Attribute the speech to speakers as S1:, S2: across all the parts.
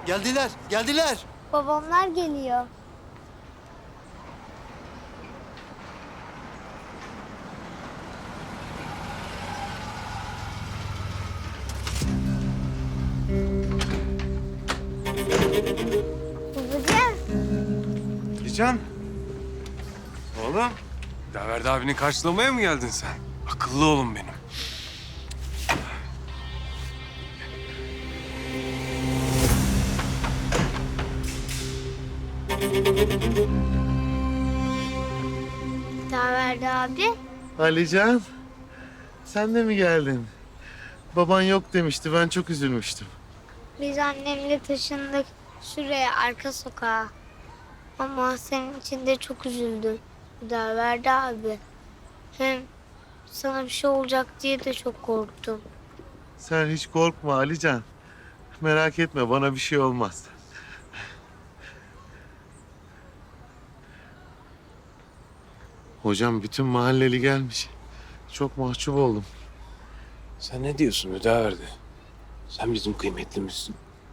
S1: Geldiler, geldiler.
S2: Babamlar geliyor. Babacığım.
S3: Can. Oğlum. Daverdi abini karşılamaya mı geldin sen? Akıllı oğlum benim.
S2: Daverdi abi.
S4: Alican, sen de mi geldin? Baban yok demişti, ben çok üzülmüştüm.
S2: Biz annemle taşındık şuraya arka sokağa. Ama senin için de çok üzüldüm. Daverdi abi. Hem sana bir şey olacak diye de çok korktum.
S4: Sen hiç korkma Alican. Merak etme, bana bir şey olmaz. Hocam bütün mahalleli gelmiş. Çok mahcup oldum.
S3: Sen ne diyorsun Müdaverdi? Sen bizim kıymetlimizsin.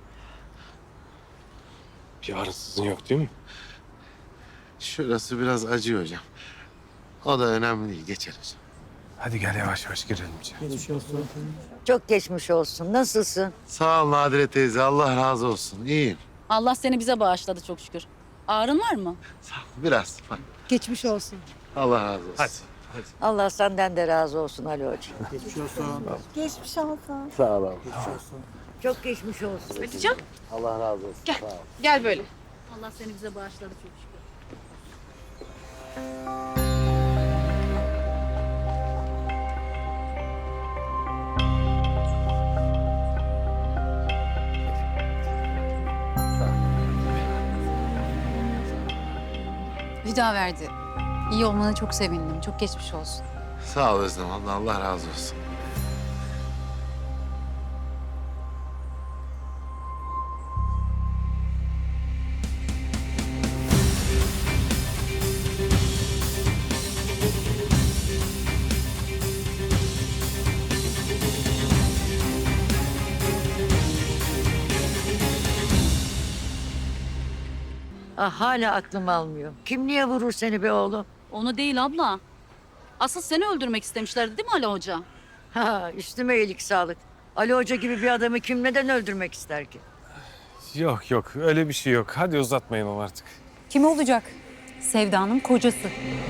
S3: Bir ağrısızın yok değil mi?
S4: Şurası biraz acıyor hocam. O da önemli değil, geçer hocam.
S3: Hadi gel yavaş yavaş girelim içeri.
S5: Çok geçmiş olsun. Nasılsın?
S4: Sağ ol Nadire teyze, Allah razı olsun. İyiyim.
S6: Allah seni bize bağışladı çok şükür. Ağrın var mı?
S4: Sağ ol, biraz. Bak,
S7: Geçmiş olsun.
S4: Allah razı olsun.
S3: Hadi.
S5: Allah senden de razı olsun Ali Hoca.
S7: Geçmiş olsun.
S4: Sağ ol.
S5: Çok geçmiş olsun.
S8: Hatice'm
S4: Allah razı olsun.
S8: gel.
S4: Sağ ol.
S8: Gel böyle.
S6: Allah seni bize bağışladı çok şükür.
S7: Hüdaverdi. İyi olmana çok sevindim. Çok geçmiş olsun.
S4: Sağ ol Özlem abla, Allah razı olsun.
S5: Ah, hala aklım almıyor. Kim niye vurur seni be oğlum?
S6: Onu değil abla. Asıl seni öldürmek istemişlerdi değil mi Ali Hoca?
S5: Ha, üstüme iyilik sağlık. Ali Hoca gibi bir adamı kim neden öldürmek ister ki?
S3: Yok yok öyle bir şey yok. Hadi uzatmayalım artık.
S7: Kim olacak? Sevda'nın kocası.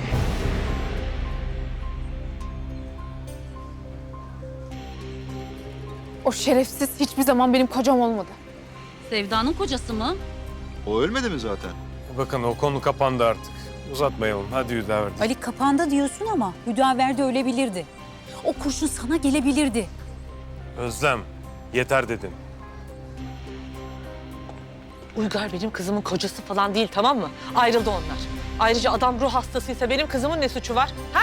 S8: O şerefsiz hiçbir zaman benim kocam olmadı.
S6: Sevda'nın kocası mı?
S1: O ölmedi mi zaten?
S3: Bakın o konu kapandı artık. Uzatmayalım. Hadi Müdaverdi.
S7: Ali kapandı diyorsun ama Hüdaverdi ölebilirdi. O kurşun sana gelebilirdi.
S3: Özlem yeter dedin.
S9: Uygar benim kızımın kocası falan değil, tamam mı? Ayrıldı onlar. Ayrıca adam ruh hastasıysa benim kızımın ne suçu var? Ha?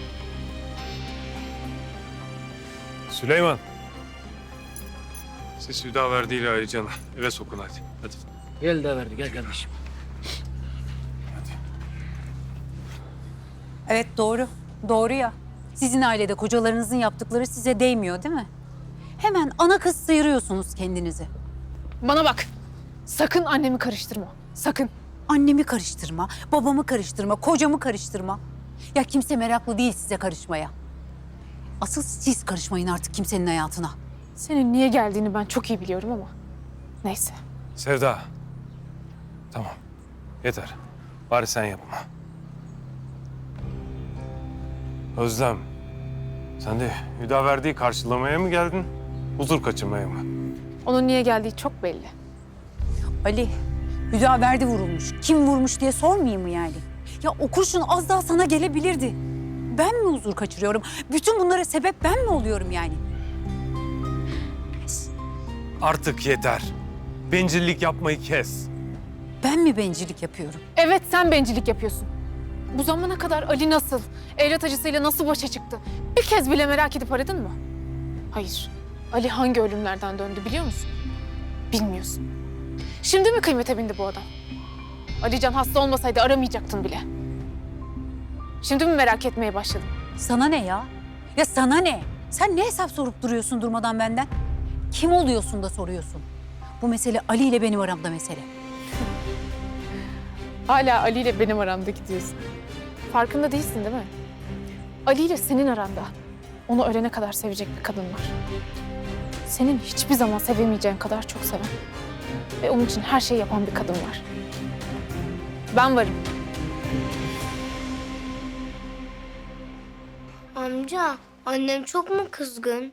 S3: Süleyman. Siz Hüdaverdi ile Alican'ı eve sokun hadi. Hadi.
S10: Gel de verdi, gel kardeşim.
S7: Evet doğru. Doğru ya. Sizin ailede kocalarınızın yaptıkları size değmiyor değil mi? Hemen ana kız sıyırıyorsunuz kendinizi.
S8: Bana bak. Sakın annemi karıştırma. Sakın.
S7: Annemi karıştırma, babamı karıştırma, kocamı karıştırma. Ya kimse meraklı değil size karışmaya. Asıl siz karışmayın artık kimsenin hayatına.
S8: Senin niye geldiğini ben çok iyi biliyorum ama. Neyse.
S3: Sevda. Tamam. Yeter. Bari sen yapma. Özlem. Sen de Hüdaverdi'yi karşılamaya mı geldin? Huzur kaçırmaya mı?
S8: Onun niye geldiği çok belli.
S7: Ali, Hüdaverdi vurulmuş. Kim vurmuş diye sormayayım mı yani? Ya o kurşun az daha sana gelebilirdi. Ben mi huzur kaçırıyorum? Bütün bunlara sebep ben mi oluyorum yani?
S3: Artık yeter. Bencillik yapmayı kes.
S7: Ben mi bencillik yapıyorum?
S8: Evet sen bencillik yapıyorsun. Bu zamana kadar Ali nasıl, evlat acısıyla nasıl başa çıktı? Bir kez bile merak edip aradın mı? Hayır. Ali hangi ölümlerden döndü biliyor musun? Bilmiyorsun. Şimdi mi kıymete bindi bu adam? Alican hasta olmasaydı aramayacaktın bile. Şimdi mi merak etmeye başladın?
S7: Sana ne ya? Ya sana ne? Sen ne hesap sorup duruyorsun durmadan benden? Kim oluyorsun da soruyorsun? Bu mesele Ali ile benim aramda mesele.
S8: Hala Ali ile benim aramda gidiyorsun. Farkında değilsin değil mi? Ali ile senin aranda. Onu ölene kadar sevecek bir kadın var. Senin hiçbir zaman sevemeyeceğin kadar çok seven. Ve onun için her şeyi yapan bir kadın var. Ben varım.
S2: Amca, annem çok mu kızgın?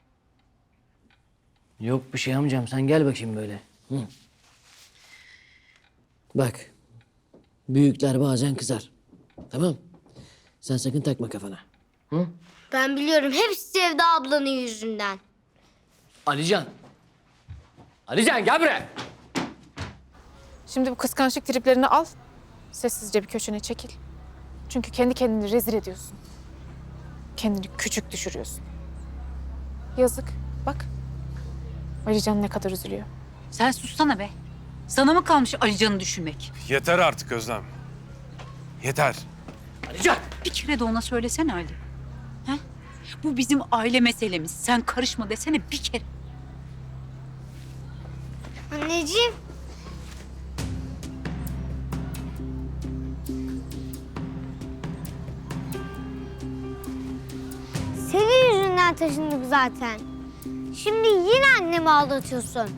S10: Yok bir şey amcam, sen gel bakayım böyle. Hı. Bak, büyükler bazen kızar. Tamam. Sen sakın takma kafana. Hı?
S2: Ben biliyorum, hepsi Sevda ablanın yüzünden.
S10: Alican. Alican gel buraya.
S8: Şimdi bu kıskançlık triplerini al. Sessizce bir köşene çekil. Çünkü kendi kendini rezil ediyorsun. Kendini küçük düşürüyorsun. Yazık. Bak. Alican ne kadar üzülüyor.
S7: Sen sussana be. Sana mı kalmış Alican'ı düşünmek?
S3: Yeter artık Özlem. Yeter.
S10: Alican.
S7: Bir kere de ona söylesene Ali. He? Bu bizim aile meselemiz. Sen karışma desene bir kere.
S2: Anneciğim. Senin yüzünden taşındık zaten. Şimdi yine annemi aldatıyorsun.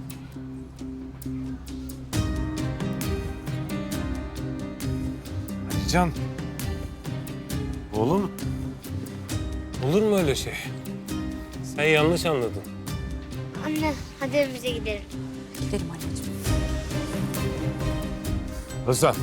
S3: Can. Oğlum. Olur mu öyle şey? Sen yanlış anladın.
S2: Anne, hadi evimize gidelim.
S7: Gidelim anneciğim.
S3: Özlem.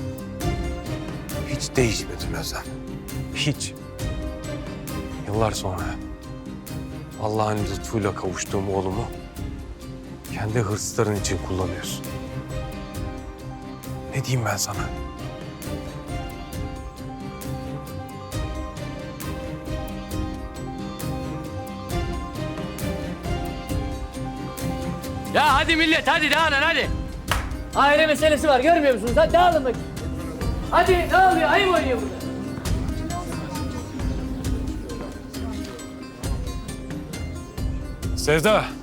S3: Hiç değişmedin Özlem. Hiç. Yıllar sonra Allah'ın lütfuyla kavuştuğum oğlumu kendi hırsların için kullanıyorsun. Ne diyeyim ben sana?
S10: Ya hadi millet, hadi dağılın hadi. Aile meselesi var, görmüyor musunuz? Hadi dağılın bakayım. Hadi ne oluyor? Ayıp oynuyor burada.
S3: Sevda.